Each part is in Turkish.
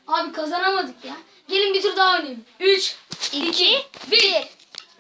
Abi kazanamadık ya. Gelin bir tur daha oynayalım. 3, 2, 1.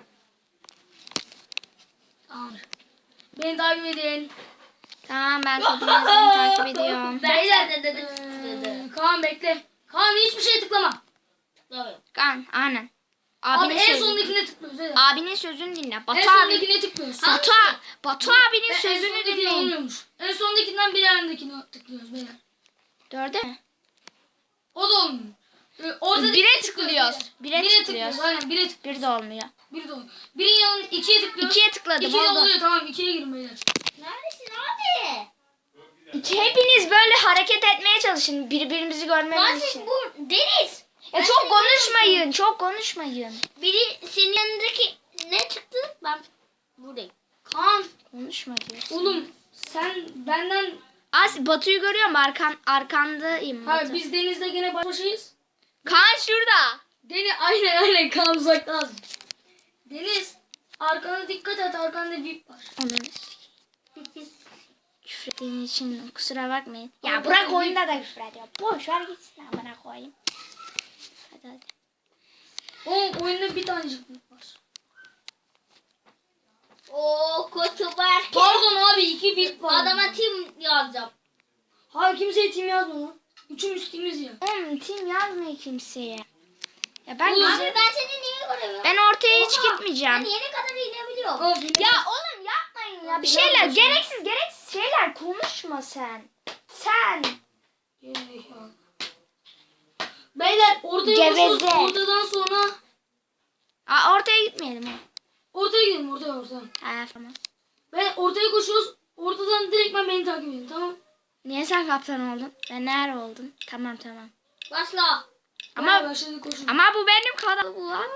Tamam. Beni takip edin. Tamam ben kodunu takip ediyorum. Beyler. Kaan bekle. Kaan hiçbir şeye tıklama. Kan aynen. Abi en sondakine tıklıyoruz. Evet. Abinin sözünü dinle. En Batu abi. sondakine tıklıyoruz. Batu abinin En sözünü sondakine dinleyin. olmuyormuş. En sondakinden bir yanındakine tıklıyoruz beyler. 4'e mi? O da olmuyor. Ortadaki Bire tıklıyoruz. Bire Bire tıklıyoruz. Aynen bire tıklıyoruz. Bir de olmuyor. Biri de olmuyor. Birin yanına 2'ye tıklıyoruz. 2'ye tıkladım. 2 de Oldu. oluyor tamam 2'ye girin beyler. Neredesin abi? Hepiniz böyle hareket etmeye çalışın. Birbirimizi görmemiz için. Bu Deniz. Ya çok konuşmayın. Çok konuşmayın. Biri senin yanındaki ne çıktı? Ben buradayım. Kaan Konuşma diyor. oğlum sen benden Batu'yu görüyorum. Arkandayım. ha Batu. biz Deniz'le gene baş başayız. Kaan şurada. Aynen Kaan uzakta lazım. Deniz arkana dikkat et arkanda VIP var. Ananı küfür ettiğin için kusura bakmayın. Ya Ama bırak bakın, oyunda da küfür ediyor. Boş ver gitsin amına koyayım. Hadi. O oyunda bir tanecik VIP var. Oo kötü Berke. Pardon abi 2 VIP var. Adama tim yazacağım. Hayır kimseye tim yazma lan. Üçümüz timiz ya. Oğlum tim yazmıyor kimseye. Ya ben Oğlum, Abi ben seni niye göremiyorum? ben ortaya hiç Oha, gitmeyeceğim. Ben yeni kadar inebiliyorum. Abi, Ya oğlum yapmayın ya. Bir şeyler gereksiz şeyler konuşma sen. Sen. Gerizekalı. Beyler ortaya Geveze. koşuyoruz. Ortadan sonra Ortaya gitmeyelim ha. ortaya gidelim ortaya. Ha tamam. Ben ortaya koşuyoruz. Ortadan direktmen beni takip edin tamam. Niye sen kaptan oldun? Ben nerede oldum? Tamam. Başla. Ama Başladık koşun. ama bu benim kanalım lan.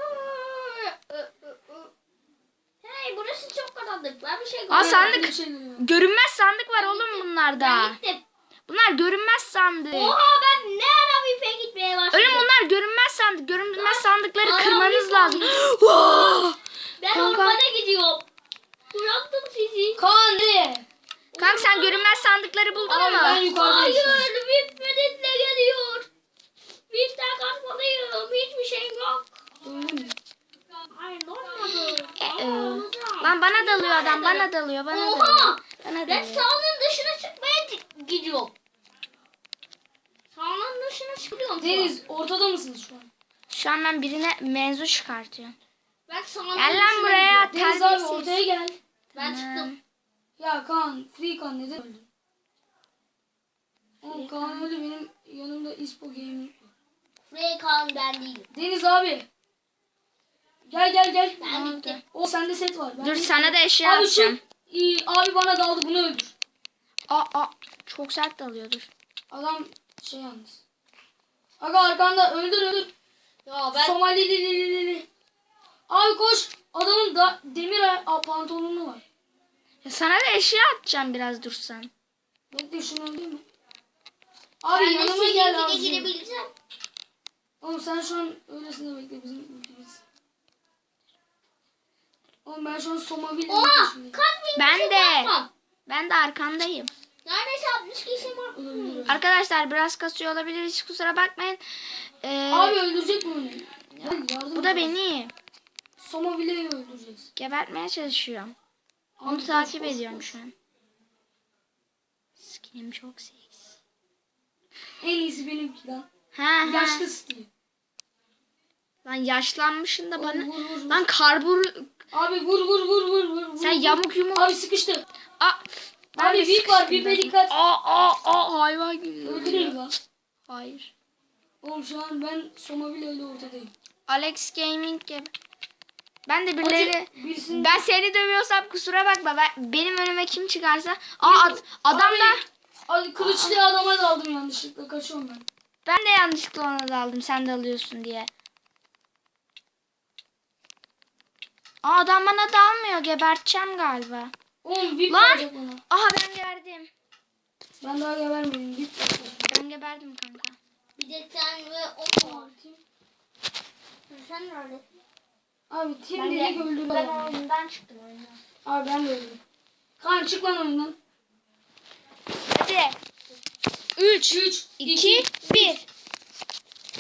Hey burası çok karanlık. Ben bir şey Aa görüyorum. sandık. Bir şey geliyor. Görünmez sandık var oğlum bunlarda. Ben gittim. Bunlar görünmez sandık. Oha ben ne ara VIP'e gitmeye başladım. Oğlum bunlar görünmez sandık. Görünmez sandıkları Aa, kırmanız bir lazım. Ben Kanka. ormana gidiyorum. Bıraktım sizi. Kaan nereye? Kanka sen görünmez sandıkları buldun Abi ben mu? yukarıdayım. şu an. Hayır VIP medetle geliyor. VIP'ten kaçmalıyım. Hiçbir şeyim yok. Hayır ne olmadı? Lan bana dalıyor adam. Bana dalıyor. Bana Oha! dalıyor. Bana Ben dalıyor. sahanın dışına çıkmaya gidiyorum. Sahanın dışına çıkıyorum. Deniz ortada mısınız şu an? Şu an ben birine mevzu çıkartıyorum. Ben sahanın Gel dışına lan buraya. gidiyorum. Deniz abi Terbiyesiz. ortaya gel. Ben çıktım. Ya Kaan, Free Kaan neden öldün? Oğlum Kaan öldü benim yanımda İspo Gaming var. Freykan ben değilim. Deniz abi. Gel. Ben gittim. O sende set var. Ben Dur de- sana da eşya Abi atacağım. abi bana daldı bunu öldür. Çok sert dalıyor dur. Adam şey yalnız. Aga arkanda öldür. Ya ben Somalili. Abi koş. Adamın da demir pantolonu var. Ya sana da eşya atacağım biraz dursan. Bekle şunu öldürme. Abi ben de yanıma gel sizinkine abi. girebileceğim. Oğlum sen şu an öylesine bekle bizim ülkemiz. Oğlum ben şu an Somali'yle Oha! peşindeyim. Kaç bin Ben kişi de. var? Ben de arkandayım. Neredeyse 60 kişi var. Olabilir. Arkadaşlar biraz kasıyor olabilir. Hiç kusura bakmayın. Abi öldürecek mi onu? Gel yardım Bu da et. beni Somali'yi öldüreceğiz. gebertmeye çalışıyorum. Abi Onu koş, takip koş, ediyorum koş. şu an. Skinim çok seksi. En iyisi benimki lan. Ha. Yaşlı Steve. Lan yaşlanmışsın da bana. Vur. Lan karbur. Abi vur. Sen yamuk yumuk. Abi sıkıştı. Aa, Abi de VIP var. sıkıştım VIP'e ben. dikkat. Hayvan gibi. Öldüreyim lan. Hayır. Oğlum şu an ben Somali ile ortadayım. Alex Gaming gibi. Ben de birileri. Birisini... Ben seni dövüyorsam kusura bakma. Benim önüme kim çıkarsa. Adam da. Abi kılıçlı adama daldım yanlışlıkla. Kaçıyorum ben. Ben de yanlışlıkla ona daldım. Sen de alıyorsun diye. Adam bana dalmıyor. Geberteceğim galiba. Oğlum VIP Lan! verecek bana. Aha ben geberdim. Ben daha gebermedim. VIP verecek. Ben geberdim kanka. Bir de sen ve o var. Sen nerede? Abi tim direkt öldürdü adamı. oyundan çıktım oyundan. Abi ben de öldüm. Kaan çık lan oyundan. Hadi. 3, 3, 2, 1.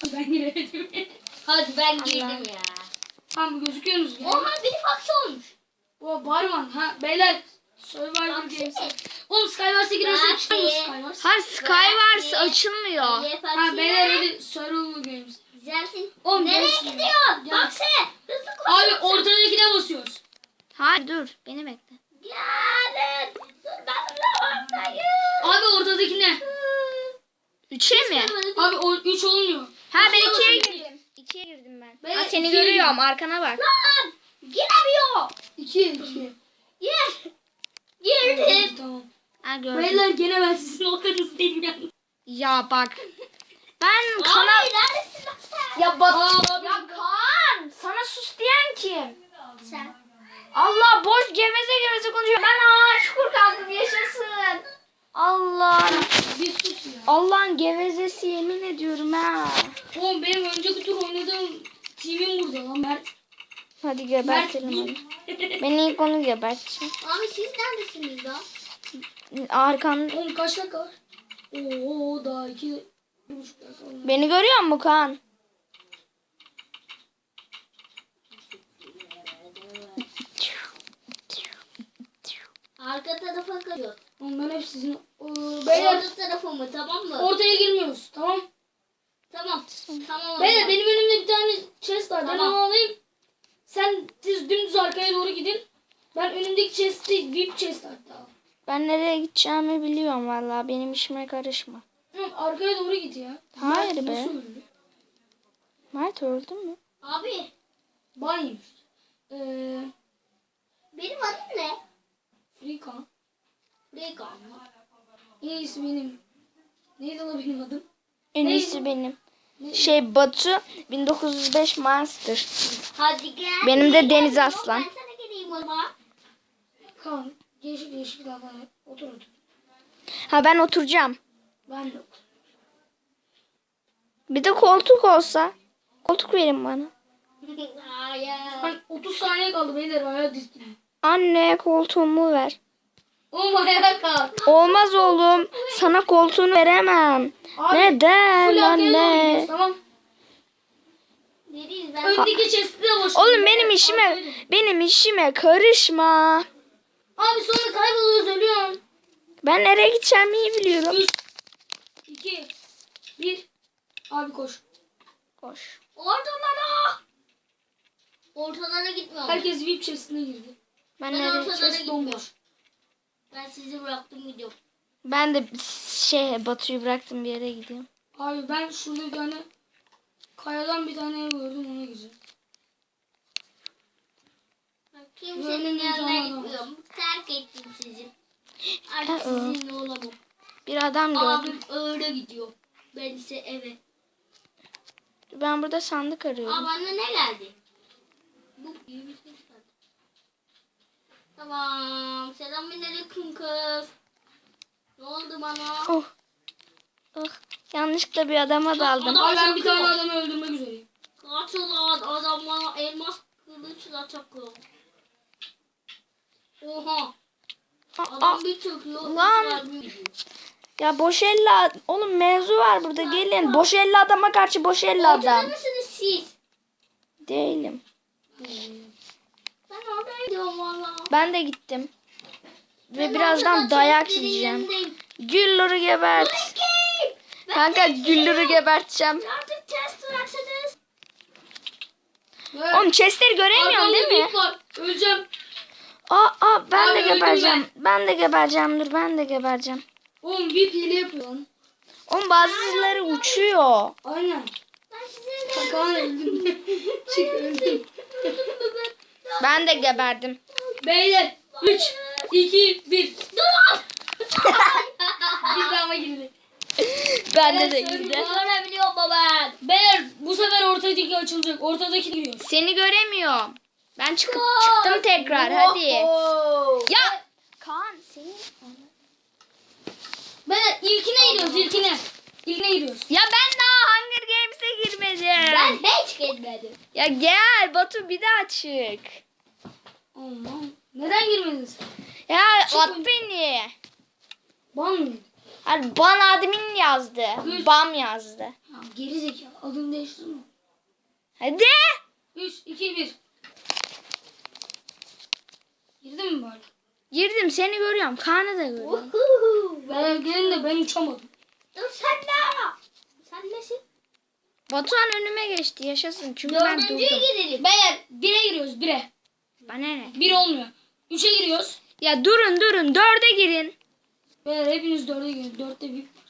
Hadi ben giremedim. Hadi ben girdim ya. Tamam gözüküyorsunuz ya. Oha biri faksi olmuş. O Barman. Ha beyler. Survivor Games. Oğlum Skywars'a giriyorsun çıkıyor mu Skywars? Hayır Skywars açılmıyor. Ha beyler hadi Survivor Games. Güzelsin. Oğlum Nereye görüşürüz. gidiyorsun? Gel. Bak sen. Hızlı koş. Abi ortadakine basıyoruz. Hayır dur beni bekle. Gelin. Dur ben zamansayım. Abi ortadakine. 3'e mi? Abi o 3 olmuyor. Ha ben Üçe 2'ye basın. girdim. 2'ye girdim ben. Ben Ha, seni ikiye görüyorum arkana bak. Lan. Giremiyor. 2. Gir. Girdim. Tamam. Ha gördüm. Beyler gene ben sizin ortanızdayım yani. Ya bak. Ben Abi kanal... neredesin lan sen? Ya bak. Abi. Ya Kaan. Sana sus diyen kim? Sen. Allah boş geveze konuşuyor. Ben şükür kaldım yaşasın. Allah. Bir sus ya. Allah'ın gevezesi yemin ediyorum ha. Oğlum benim önceki tur oynadığım team'im burada lan Mert. Hadi gebertelim onu. Ben ilk onu geberteceğim. Abi siz neredesiniz lan? Arkan. Oğlum kaç dakika var? Oo daha 2,5 dakika var. Beni görüyor musun Kaan? Arka tarafa kaçıyor. Oğlum ben hep sizin... Beyler Orta tarafa mı tamam mı? ortaya girmiyoruz tamam. Tamam. Tamam. Beyler benim önümde bir tane chest var. Ben Tamam. onu alayım. Siz dümdüz arkaya doğru gidin. Ben önümdeki chest'i VIP chest hatta. Ben nereye gideceğimi biliyorum vallahi. Benim işime karışma. Oğlum arkaya doğru git ya. Hayır Mert be. Nasıl öldü? Mert öldü mü? Abi Ban yemiş. benim adım ne? Freekan. Regan mı? En iyisi benim. Neydi lan benim adım? En Ne? iyisi benim. Ne? Şey Batu 1905 Monster. Hadi gel. Benim de Deniz Aslan. Ben sana geleyim o zaman. Kaan. Değişik daha otur. Ha ben oturacağım. Ben de otur. Bir de koltuk olsa. Koltuk verin bana. Hayır. Ben 30 saniye kaldı beyler. Ayağa dizdim. Anne koltuğumu ver. Oğlum ayağa kalk. Olmaz oğlum. Sana koltuğunu veremem. Abi, Neden full arkaya doğru anne? gidiyoruz, tamam. Nereyiz ben? Öndeki chest'i de boş. Oğlum benim işime karışma. Abi sonra kayboluyoruz ölüyorsun. Ben nereye gideceğimi iyi biliyorum. 3, 2, 1. Abi koş. Koş. Ortalara. Ortalara gitmiyorum. Herkes VIP chest'ine girdi. Ben Ben nereye? ortalara Chest gitmiyorum. bomboş. Ben sizi bıraktım gidiyorum. Ben de Batu'yu bıraktım bir yere gidiyorum. Abi ben şurada bir tane kayadan bir tane ev gördüm ona gireceğim. Kimsenin Böyle bir yanına tane gitmiyorum. Terk ettim sizi. Artık sizinle olamam. Bir adam gördüm. Abim öyle gidiyor. Ben ise eve. Ben burada sandık Aa arıyorum. bana ne geldi? Bu iyi bir şey geldi. Tamam. Selamünaleyküm kız. Ne oldu bana? Oh. Oh. Yanlışlıkla bir adama daldım. Adam- Abi ben bir tane adamı öldürmek üzereyim. Kaçılan adam bana elmas kılıçla çakıyor. Oha. Aa, Adam bir çöküyor. Lan. Lan. ya boş elle oğlum mevzu var burada gelin. Boş elle adama karşı boş elle Ortada adam. mısınız siz? Değilim. Ben oraya gidiyorum valla. Ben de gittim. Ve Ben birazdan ortada dayak chestlerin yiyeceğim. yanındayım. Güllür'ü gebert. Erkek! Ben Kanka de Güllür'ü geberteceğim. artık chest bıraksanız. Oğlum chestleri göremiyorsun değil mi? VIP var. Öleceğim. Ben Abi de öldüm gebereceğim. Ben de gebereceğim. Dur ben de gebereceğim. Oğlum VIP hile yapıyor lan. Oğlum bazıları uçuyor. Aynen. Ben size Kaan öldüm. Çık öldüm. Ben de geberdim. Beyler 3, 2, 1. Dur! Girdi ama girdi. Bende de Evet, girdi. Görebiliyorum ben. Beyler bu sefer ortadaki açılacak. Ortadaki giriyor. Seni göremiyorum. Ben çıktım tekrar hadi. Ya Kaan senin. Beyler ilkine giriyoruz ilkine. İlkine giriyoruz. Ya ben daha Hunger Games'e girmedim. Ben hiç gitmedim. Ya gel Batu bir daha çık. Aman. Neden girmediniz? Ya at beni. Ban mı? Hayır ban admin yazdı. Üç. Bam yazdı. Ha, Tamam geri zekalı. Adını değiştirdin mi? Hadi. 3, 2, 1. Girdin mi böyle? Girdim, seni görüyorum. Kaan'ı da görüyorum. Ben gelin de ben uçamadım. Dur sen ne? Sen nesin? Batuhan önüme geçti. Yaşasın. Çünkü ben Dördüncüye durdum. gidelim. Beyler 1'e giriyoruz 1'e. Bana ne? 1 olmuyor. 3'e giriyoruz. Ya durun. 4'e girin. Beyler hepiniz 4'e girin. 4'te VIP var.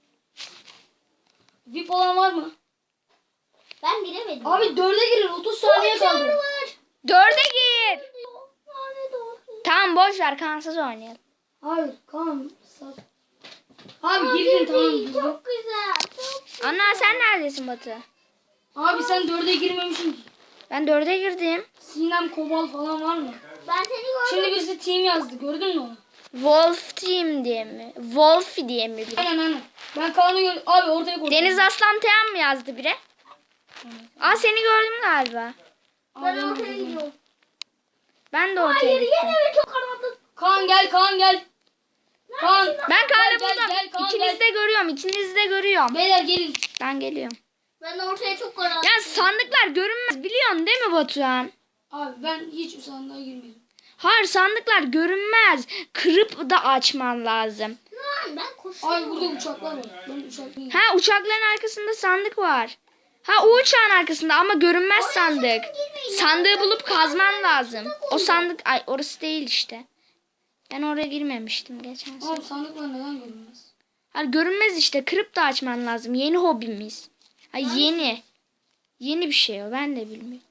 VIP olan var mı? Ben giremedim. Abi 4'e girin. 30 saniye kaldı. var. 4'e gir. Lanet olsun. Tamam boş ver. Kansız oynayalım. Hayır Kaan. Abi girdin tamam girdin. Çok güzel. Çok Ana sen neredesin Batu? Abi sen 4'e girmemişsin ki. Ben 4'e girdim. Sinem Kobal falan var mı? Ben seni gördüm. Şimdi birisi team yazdı. Gördün mü onu? Wolf Team diye mi? Wolf diye mi biri? Aynen. Ben Kaan'ı gördüm. Abi ortaya koydum. Deniz Aslan Teyan mı yazdı biri? Aa seni gördüm galiba. Ben ortaya gidiyorum. Ben de ortaya Hayır gittim. yine mi çok karanlık? Kaan gel Kaan gel. Kaan. Ben Kaan'ı Gel, buldum. gel, Kaan, İkinizi de görüyorum. İkinizi de görüyorum. Beyler gelin. Ben geliyorum. Ben ortaya çok karanlık. Ya sandıklar görünmez biliyorsun değil mi Batuhan? Abi ben hiç o sandığa girmedim. Hayır sandıklar görünmez. Kırıp da açman lazım. Lan ben koşuyorum. Abi burada uçaklar var. Ben uçak Ha uçakların arkasında sandık var. Ha o uçağın arkasında ama görünmez sandık. Sandığı bulup kazman lazım. O sandık ay orası değil işte. Ben oraya girmemiştim geçen sene. Abi sandıklar neden görünmez? Hayır görünmez işte kırıp da açman lazım. Yeni hobimiz. Ay yeni. Yeni bir şey o ben de bilmiyorum.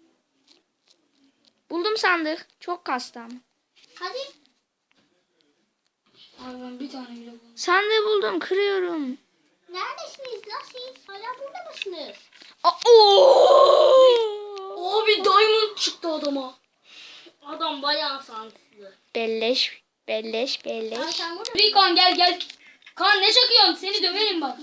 Buldum sandık. Çok kastı ama. Hadi. Abi ben bir tane bile buldum. Sandığı buldum kırıyorum. Neredesiniz? Nasıl? Hala burada mısınız? Abi diamond çıktı adama. Adam bayağı şanslı. Belleş. Ay Bir sen burada Kaan gel gel. Kaan ne çakıyorsun? Seni döverim bak.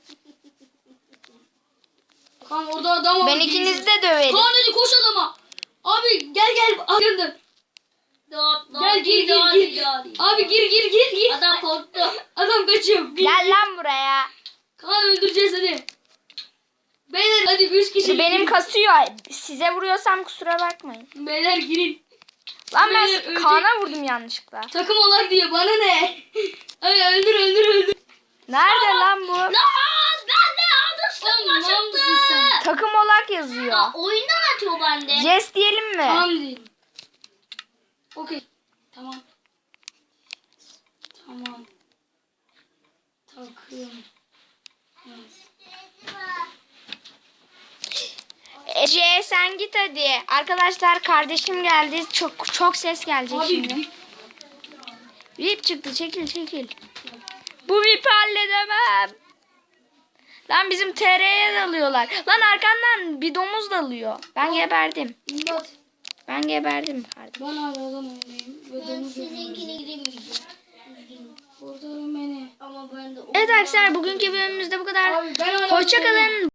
Kaan orada adam var. Ben ikinizi de döverim. Kaan hadi koş adama. Abi gel gel. Arkandan. Gel gir gir. Abi gir. Adam korktu. Adam kaçıyor. Gir. Gel lan buraya. Kaan öldüreceğiz hadi. Beyler hadi 3 kişi. Benim kasıyor. Size vuruyorsam kusura bakmayın. Beyler girin. Lan Beyler, ben ölecek. Kaan'a vurdum yanlışlıkla. Takım olak diyor bana ne? Abi öldür. Nerede lan bu? Lan ben de Oğlum, almıştım mal mısın çıktı. sen? Takım olak yazıyor. Ya oyundan atıyor bende. Yes diyelim mi? Tamam diyeyim. Okey. Tamam. Takım. Evet. Ece sen git hadi. Arkadaşlar kardeşim geldi. Çok ses gelecek Abi şimdi. VIP çıktı. Çekil. Bu VIP'i halledemem. Lan bizim TR'ye dalıyorlar. Lan arkandan bir domuz dalıyor. Ben geberdim. İmdat. Ben geberdim kardeşim. Ben hala adam önündeyim. Ve Ben domuz sizinkine giremeyeceğim. Üzgünüm. Kurtarın beni. Ama ben de Evet arkadaşlar bugünkü bölümümüzde bu kadar. Abi ben hala Hoşça kalın.